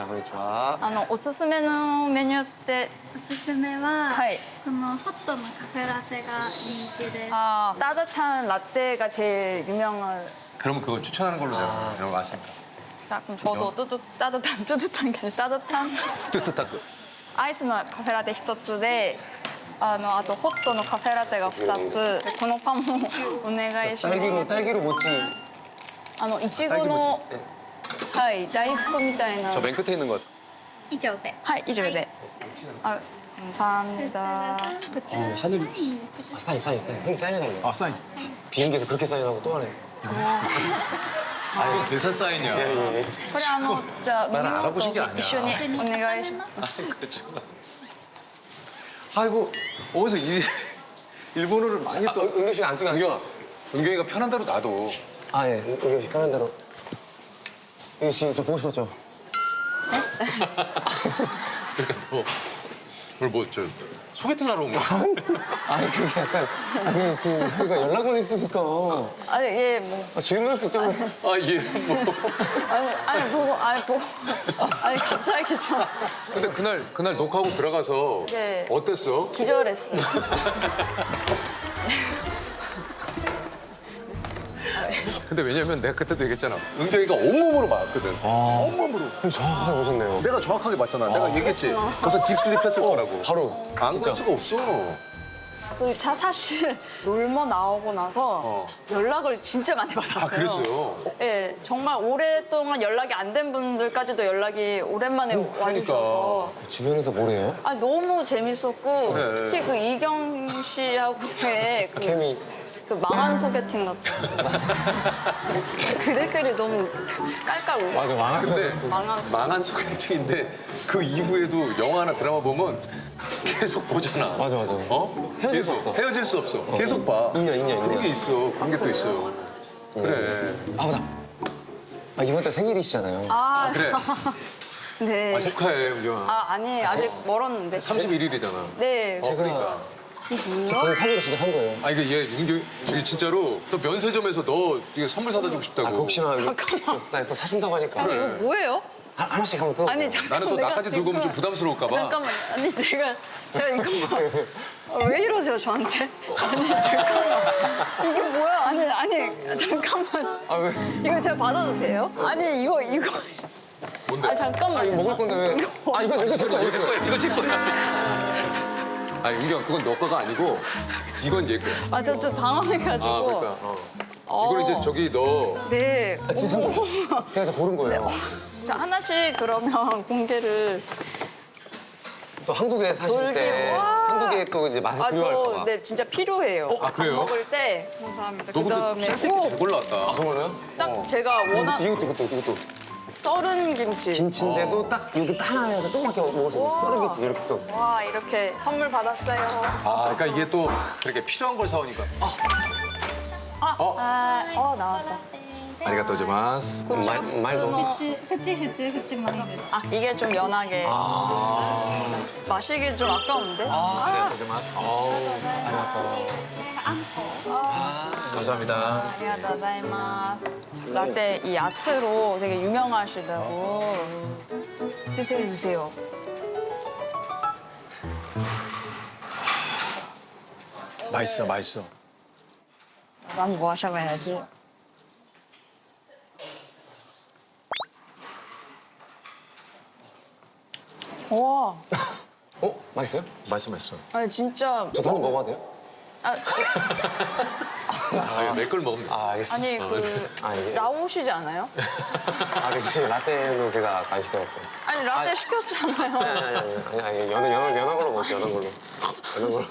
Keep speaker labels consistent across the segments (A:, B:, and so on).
A: あ、こんにちは。
B: おすすめのメニューって、
C: おすすめは、
B: はい。
C: このホットのカフェラテが人気です。
B: 따뜻한 라떼가 제일 유명한.
D: 그러면 그거 추천하는 걸로 내가 이런 거 아십니까?
B: 자, 그럼 저도 따뜻한 게 아니라 따뜻한
D: 뜨뜻하고.
B: アイスのカフェラテ1つで、あとホットのカフェラテが2つ。このパンもお願いします。
A: 딸기로 모찌.
B: いちごの、はい、大福みたいな。
D: 저 맨 끝에 있는 것.
C: 以上で。
B: はい以上で。あ、감사합니다.
A: 하늘이. 아, 사인. 형이 사인해달래.
D: 아, 사인.
A: 비행기에서 그렇게 사인하고 또 하네.
D: 아, 계산 사인이야.
A: 예.
B: これじゃあ飲み
D: 나는
B: 物
D: 알아보신 게
B: と
D: 아니야.
B: 一緒にお願いします。
D: 그렇죠. 아이고, 어디서 일본어를 많이 또.
A: 은경 씨가 안 뜨게 안경아.
D: 은경이가 편한 대로 놔둬.
A: 아, 예. 은경 씨 편한 대로. 은경 씨, 저 보고 싶었죠?
D: 그러니까 너 오늘 저 소개팅 하러 온 거야?
A: 아니, 그게 약간. 아니, 저희가 연락을 했으니까.
B: 아니 예 뭐.
A: 질문할 수 있잖아요.
D: 아, 예, 뭐.
B: 아니 갑자기 좀
D: 근데 그날 녹화하고 들어가서
B: 네.
D: 어땠어?
B: 기절했어요.
D: 근데 왜냐면 내가 그때도 얘기했잖아. 은경이가 온몸으로 맞았거든. 온몸으로.
A: 정확하게 보셨네요.
D: 내가 정확하게 봤잖아. 내가 얘기했지. 벌써 딥슬립 했을 거라고.
A: 바로.
D: 안 갈 수가 없어.
B: 그 사실 놀머 나오고 나서 연락을 진짜 많이 받았어요.
D: 아, 그랬어요?
B: 네, 정말 오랫동안 연락이 안 된 분들까지도 연락이 오랜만에
D: 그러니까.
B: 와주셔서
A: 주변에서 뭐래요?
B: 아, 너무 재밌었고
D: 그래.
B: 특히 그 이경 씨하고의
A: 케미.
B: 그 망한 소개팅 같은 그 댓글이 너무 깔깔 울려.
A: 맞아, 망한.
D: 근데
B: 망한
D: 소개팅인데 그 이후에도 영화나 드라마 보면 계속 보잖아.
A: 맞아.
D: 어?
A: 헤어질 수
D: 계속.
A: 없어.
D: 헤어질 수 없어. 계속 봐.
A: 인연.
D: 그런 게 있어. 그런 게 또 있어. 그래.
A: 아, 맞아. 아, 이번 달 생일이시잖아요.
B: 아,
D: 그래.
B: 네.
D: 아, 축하해, 은경아.
B: 아니 아직 멀었는데.
D: 31일이잖아.
B: 네.
D: 그러니까.
A: 저는 3일에 진짜 산 거예요.
D: 아, 이거 은경이 진짜로 또 면세점에서 너 이거 선물 사다 주고 싶다고.
A: 아, 그 혹시나
B: 잠깐만.
A: 나또 사신다고 하니까.
B: 아니 이거 뭐예요?
A: 하나씩 한번 뜯어.
B: 아니 잠깐
D: 나는 또 나까지 들고 오면 좀 부담스러울까 봐.
B: 잠깐만. 아니 제가 이거 왜 이러세요 저한테? 아니 잠깐만. 이게 뭐야? 아니 잠깐만.
A: 아, 왜?
B: 이거 제가 받아도 돼요? 아니 이거.
D: 뭔데?
B: 아 잠깐만.
A: 아, 이거 먹을 건데 왜? 아, 이거 제 거야.
D: 이거 제 거야. 아니, 은경, 그건 너 거가 아니고 이건 얘 거야.
B: 아 저 좀 당황해가지고.
D: 아, 그러니까. 이걸 이제 저기 너
B: 네.
A: 아, 진짜 제가 고른 거예요.
B: 자 하나씩 그러면 공개를.
A: 또 한국에 사실 때
B: 돌기로. 와.
A: 한국에 또 이제 맛이 필요할까 봐.
B: 네 진짜 필요해요.
D: 아, 그래요?
B: 밥 먹을 때. 감사합니다.
D: 너 근데
B: 그다음에
D: 색깔 잘 골라왔다.
A: 아, 그러나요?
B: 딱 제가 원한
A: 이것도.
B: 썰은 김치.
A: 김치인데도 딱 여기 딱 하나 해서 조그맣게 먹을 수 있는 썰은 김치 이렇게 또.
B: 와 이렇게 선물 받았어요.
D: 아, 그러니까 이게 또 그렇게 필요한 걸 사오니까.
B: 나왔다.
D: 아리가또 고자이마스.
A: 말도.
C: ふちマイル。
B: 아 이게 좀 연하게. 마시기 좀 아까운데.
D: 아리가또 고자이마스. 감사합니다.
B: 안녕하세요. 라떼 이 아트로 되게 유명하시다고. 드세요.
D: 맛있어.
B: 난 뭐 마셔봐야지. 와,
A: 맛있어요?
D: 맛있어.
B: 아니 진짜.
A: 저도 한번 먹어봐도 돼요?
B: 아,
D: 아, 내 걸 먹으면 돼.
A: 아, 알겠습니다.
B: 아니 그
A: 아, 이게.
B: 나오시지 않아요?
A: 아, 그치. 라떼는 제가 안 시켜갖고.
B: 아니 라떼
A: 아,
B: 시켰잖아요.
A: 아니, 연한 걸로 먹을게요, 연한 걸로.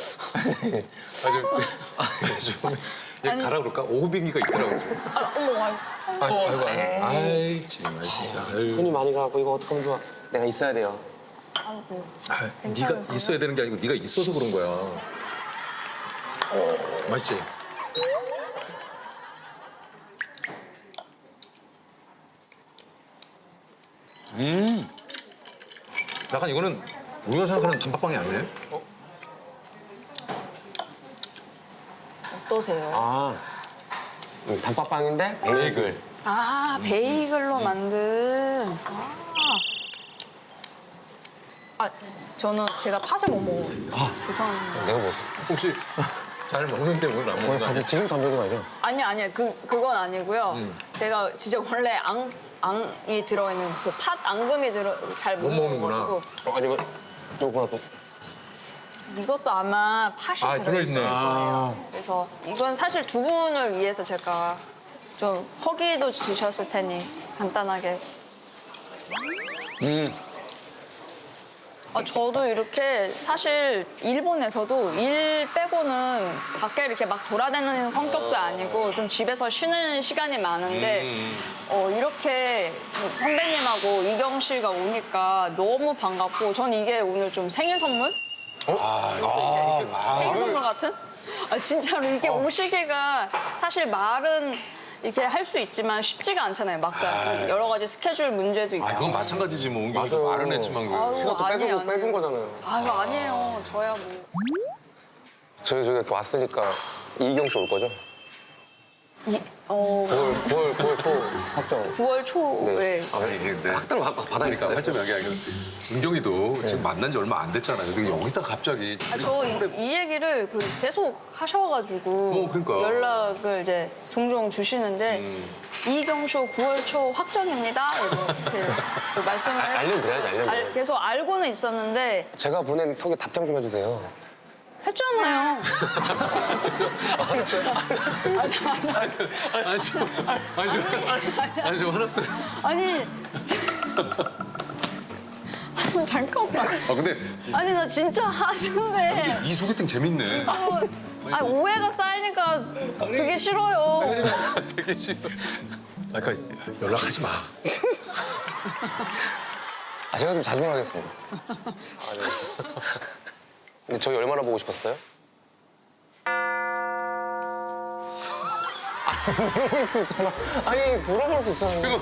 D: 얘 가라 그럴까? 오비기가 있더라고.
B: 어머,
D: 아이, 정말 진짜.
A: 손이 많이 가고 이거 어떡하면 좋아. 내가 있어야 돼요.
D: 네가 있어야 되는 게 아니고 네가 있어서 그런 거야. 맛있지? 약간 이거는 우리가 생각하는 단팥빵이 아니네.
B: 어떠세요?
A: 아, 단팥빵인데 베이글.
B: 아 베이글로 만든. 아 저는 제가 팥을 못 먹어요. 죄송합니다.
A: 내가 먹었어.
D: 혹시 잘 먹는데 오늘 안 먹는 거 아니야?
A: 갑자기 지금 안 먹는 거 아니야?
B: 아니 그건 아니고요. 제가 진짜 원래 앙이 들어있는 그 팥 앙금이 잘 못
D: 못 먹는구나.
B: 먹어가지고
A: 아니면 요거나 또.
B: 이것도 아마 팥이
D: 아,
B: 들어있을
D: 들어있네.
B: 거예요. 그래서 이건 사실 두 분을 위해서 제가 좀 허기도 주셨을 테니 간단하게. 저도 이렇게 사실 일본에서도 일 빼고는 밖에 이렇게 막 돌아다니는 성격도 아니고 좀 집에서 쉬는 시간이 많은데 이렇게 선배님하고 이경 씨가 오니까 너무 반갑고 전 이게 오늘 좀 생일 선물? 생일 선물 같은? 진짜로 이게 오시기가 사실 말은 이렇게 할 수 있지만 쉽지가 않잖아요, 막상. 여러 가지 스케줄 문제도 있고.
D: 아, 그건 마찬가지지 뭐. 웅경이도 말은 했지만 그.
B: 아유,
A: 시간 또
B: 아니에요,
A: 뺏은
B: 아니에요.
A: 거잖아요.
B: 아유, 아니에요. 저야 뭐.
A: 저희 이렇게 왔으니까 이경 씨 올 거죠? 9월 초 확정.
B: 9월 초에.
D: 아니, 근데
A: 확정 받아니까.
D: 그러니까 활점 여기 은경이도 지금 만난 지 얼마 안 됐잖아요. 근데 여기다 갑자기
B: 저 이 얘기를 계속 하셔가지고
D: 그러니까.
B: 연락을 이제 종종 주시는데 이경쇼 9월 초 확정입니다. 이렇게 말씀을
A: 알려드려야지, 알려드려야지.
B: 계속 알고는 있었는데
A: 제가 보낸 톡에 답장 좀 해주세요.
B: 했잖아요.
D: 아니 좀 화났어요.
B: 아니 잠깐만.
D: 근데
B: 아니 나 진짜 하는데
D: 이 소개팅 재밌네.
B: 오해가 쌓이니까 그게 싫어요.
D: 되게 싫어. 그러니까 연락하지 마.
A: 제가 좀 자중하겠습니다. 네. 근데 저희 얼마나 보고 싶었어요? 물어볼 수 있잖아. 아니, 물어볼 수 있잖아.
D: 지금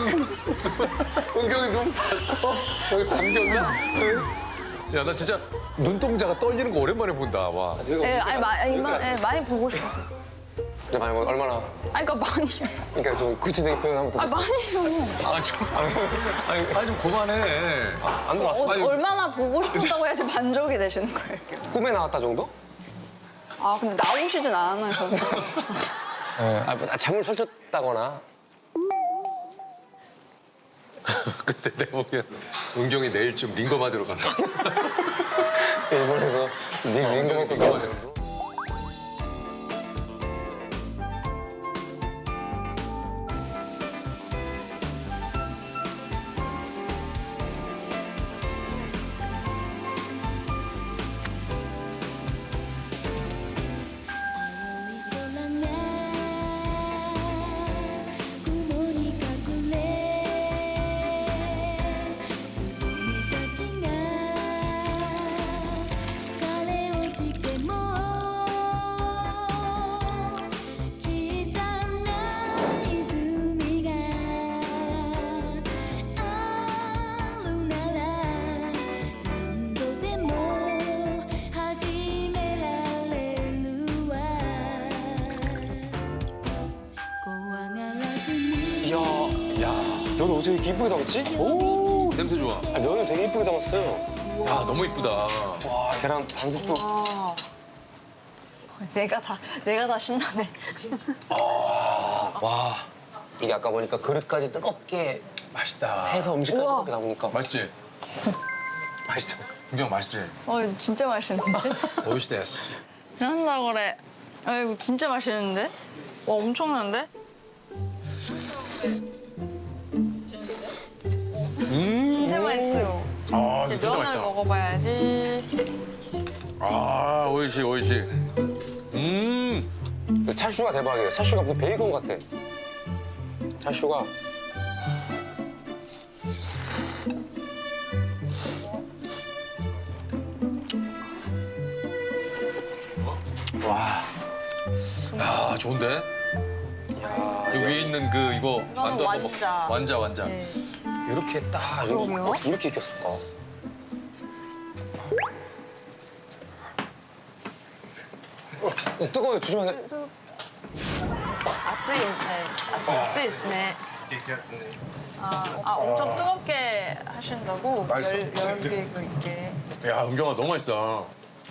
D: 은경이 눈 봤어? 여기 담겼나? 야, 나 진짜 눈동자가 떨리는 거 오랜만에 본다. 와.
B: 네, 많이 보고 싶었어요.
A: 이제 많이 얼마나.
B: 아니 그러니까 많이.
A: 그러니까 좀 구체적인 표현 한번 더.
B: 많이요.
D: 좀 그만해.
A: 안 들어왔어?
B: 얼마나 보고 싶었다고 해야지 만족이 되시는 거예요.
A: 꿈에 나왔다 정도?
B: 근데 나오시진 않으셔서.
A: 잠을 설쳤다거나.
D: 그때 내가 보면 은경이 내일쯤 링거 맞으러 간다.
A: 일본에서 네 링거
D: 링거 맞으러.
A: 면 어떻게 이렇게 이쁘게 담았지?
D: 오, 냄새 좋아.
A: 면을 되게 이쁘게 담았어요.
D: 야, 너무 이쁘다.
A: 와, 계란 반숙도.
B: 내가 다 신나네.
A: 와, 이게 아까 보니까 그릇까지 뜨겁게
D: 맛있다.
A: 해서 음식까지
B: 우와.
A: 뜨겁게 담으니까
D: 맛있지?
A: 맛있죠.
D: 은경 맛있지?
B: 진짜 맛있는데?
D: 오이시데스.
B: 한다 그래. 이거 진짜 맛있는데? 와 엄청난데? 진짜 맛있어요.
D: 아,
B: 이제
D: 진짜
B: 면을
D: 맛있다.
B: 먹어봐야지.
D: 아, 오이시.
A: 찰슈가 대박이에요. 찰슈가 무슨 베이컨 같아. 찰슈가. 와.
D: 야, 좋은데?
A: 야,
D: 여기 위에 있는 그 이거 만두 한번 먹-
B: 완자.
D: 완자.
B: 네.
A: 이렇게 딱
B: 그러게요.
A: 어떻게 이렇게 익혔을까? 뜨거워요. 조심하세요.
B: 아찌, 네. 아찌 있네. 엄청 뜨겁게 하신다고
D: 맛있어.
B: 열개 있게.
D: 야, 은경아 너무 맛있다.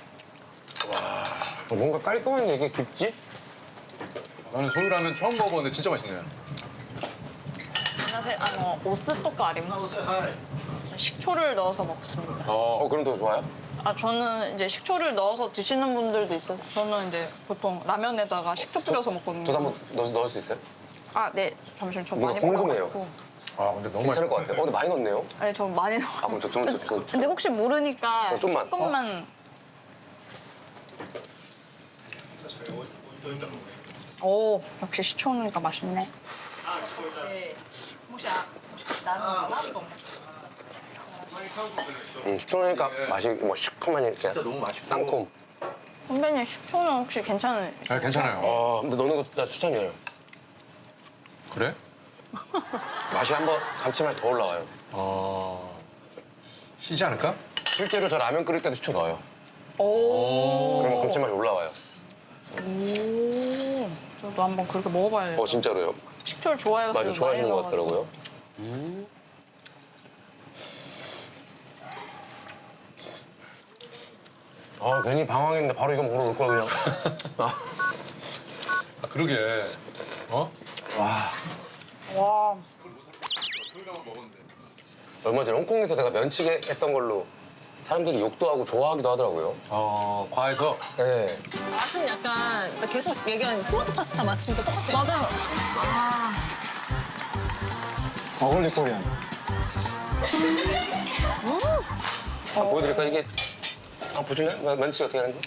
A: 뭔가 깔끔한데 이게 깊지?
D: 나는 소유라면 처음 먹어봤는데 진짜 맛있네.
B: 안녕하세요. 오스토카 아리마스. 식초를 넣어서 먹습니다.
A: 그럼 더 좋아요?
B: 저는 이제 식초를 넣어서 드시는 분들도 있어서 저는 이제 보통 라면에다가 식초 뿌려서 먹거든요.
A: 저도 한번 넣을 수 있어요?
B: 네. 잠시만 저
A: 뭔가
B: 많이
A: 궁금해요.
B: 먹어가지고.
D: 근데 너무
A: 괜찮을
D: 맛있다.
A: 것 같아요. 근데 많이 넣었네요.
B: 아니 저 많이 넣어.
A: 그럼 저
B: 근데 혹시 모르니까
A: 좀만.
B: 조금만. 오 역시 식초니까 맛있네. 네. 혹시 라면
A: 식초니까 맛이 뭐 시큼한 이렇게
D: 진짜 너무 맛있고.
A: 쌍콤.
B: 선배님 식초는 혹시 괜찮은?
D: 괜찮아요.
A: 근데 넣는 거 나 추천이에요.
D: 그래?
A: 맛이 한번 감칠맛이 더 올라와요.
D: 시지 않을까?
A: 실제로 저 라면 끓일 때도 식초 넣어요.
B: 오.
A: 그러면 감칠맛이 올라와요.
B: 오. 저도 한번 그렇게 먹어봐야겠다.
A: 진짜로요.
B: 식초를 좋아해서
A: 맞아, 좋아하시는 것 같더라고요. 괜히 방황했는데 바로 이거 먹으러 올 걸 그냥.
D: 그러게.
B: 와.
A: 얼마 전에 홍콩에서 내가 면치기 했던 걸로 사람들이 욕도 하고 좋아하기도 하더라고요.
D: 과에서
A: 네.
E: 맛은 약간 계속 얘기하는 토마토 파스타 맛 진짜 똑같아.
B: 맞아요.
A: 어글리 코리안. 보여드릴까 이게 보실래요? 면치 어떻게 하는지?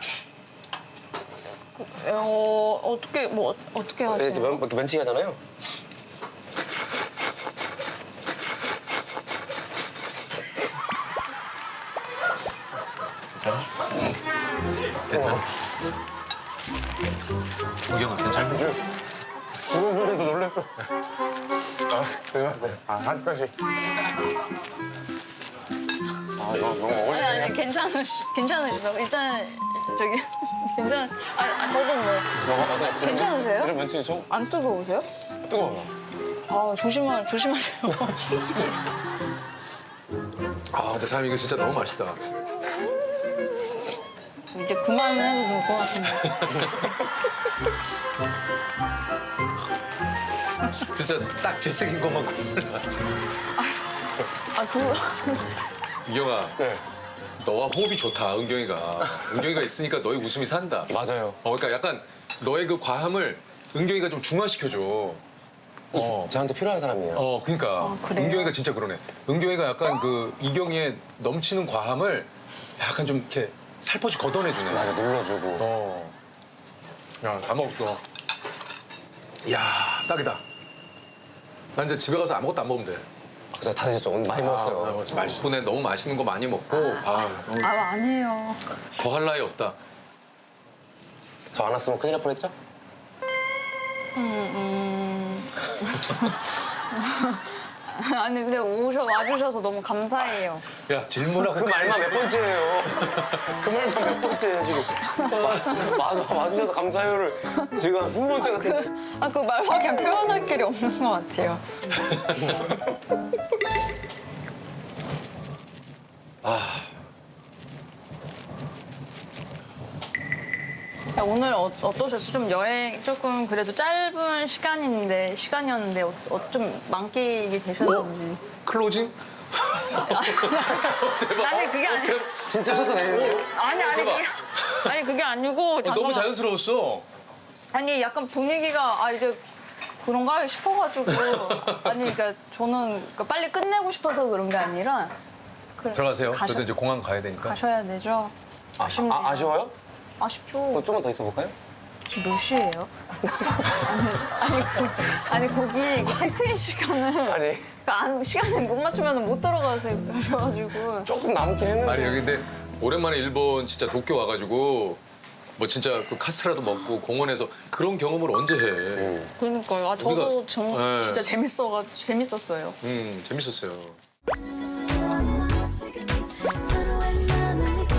B: 어떻게 하세요?
A: 이렇게 면치기 하잖아요.
D: 됐다. 은경아 괜찮아?
A: 놀래서 놀랬어. 되게 맛있어요. 한 숟갈씩. 이거 너무 어글리.
B: 아니 괜찮으시다고 일단 저기 저도 뭐 괜찮으세요?
A: 이런 면치기 좀
B: 안 뜨거우세요?
A: 뜨거워요.
B: 조심하세요.
D: 근데 사장님 이거 진짜 너무 맛있다.
B: 이제 그만해도 될 것 같은데.
D: 진짜 딱 질색인 것만 골라왔지.
B: 그거
D: 은경아,
A: 네.
D: 너와 호흡이 좋다, 은경이가. 은경이가 있으니까 너의 웃음이 산다.
A: 맞아요.
D: 그러니까 약간 너의 그 과함을 은경이가 좀 중화시켜줘.
A: 저한테 필요한 사람이에요.
D: 그러니까
B: 그래요?
D: 은경이가 진짜 그러네. 은경이가 약간 그 이경이의 넘치는 과함을 약간 좀 이렇게 살포시 걷어내주네.
A: 맞아, 눌러주고.
D: 야, 다 먹었어. 이야, 딱이다. 난 이제 집에 가서 아무것도 안 먹으면 돼.
A: 그래서 다 드셨죠? 오늘 많이 먹었어요.
D: 덕분에 너무 맛있는 거 많이 먹고
B: 아니에요.
D: 더 할 나위 없다.
A: 저 안 왔으면 큰일 날 뻔했죠?
B: 아니 근데 와주셔서 너무 감사해요.
D: 야, 질문하고
A: 그 말만 몇 번째예요. 그 말만 몇 번째예요, 지금. 와주셔서 감사해요를 지금 한 20번째 같은데.
B: 그 말밖에 표현할 길이 없는 것 같아요. 오늘 어떠셨어요? 좀 여행 조금 그래도 짧은 시간이었는데 좀 만끽이 되셨는지.
D: 클로징? 대박.
B: 아니 그게 아니고
A: 진짜 저도 되는데요?
B: 아니 그게 아니고
D: 너무
B: 잠깐만.
D: 자연스러웠어.
B: 아니 약간 분위기가 이제 그런가 싶어가지고 그러니까 저는 그러니까 빨리 끝내고 싶어서 그런 게 아니라
D: 들어가세요. 저도 이제 공항 가야 되니까.
B: 가셔야 되죠. 아쉽네요.
A: 아쉬워요?
B: 아쉽죠.
A: 좀만 더 있어 볼까요?
B: 지금 몇 시예요? 아니 거기 그 체크인 시간을
A: 아니.
B: 시간에 못 맞추면 못 들어가셔가지고
A: 조금 남긴 했는데.
D: 아니 여기 근데 오랜만에 일본 진짜 도쿄 와가지고 뭐 진짜 그 카스테라도 먹고 공원에서 그런 경험을 언제 해?
B: 그러니까요. 저도
D: 네.
B: 진짜 재밌었어요.
D: 재밌었어요.
F: 지금 이 서로의 마음을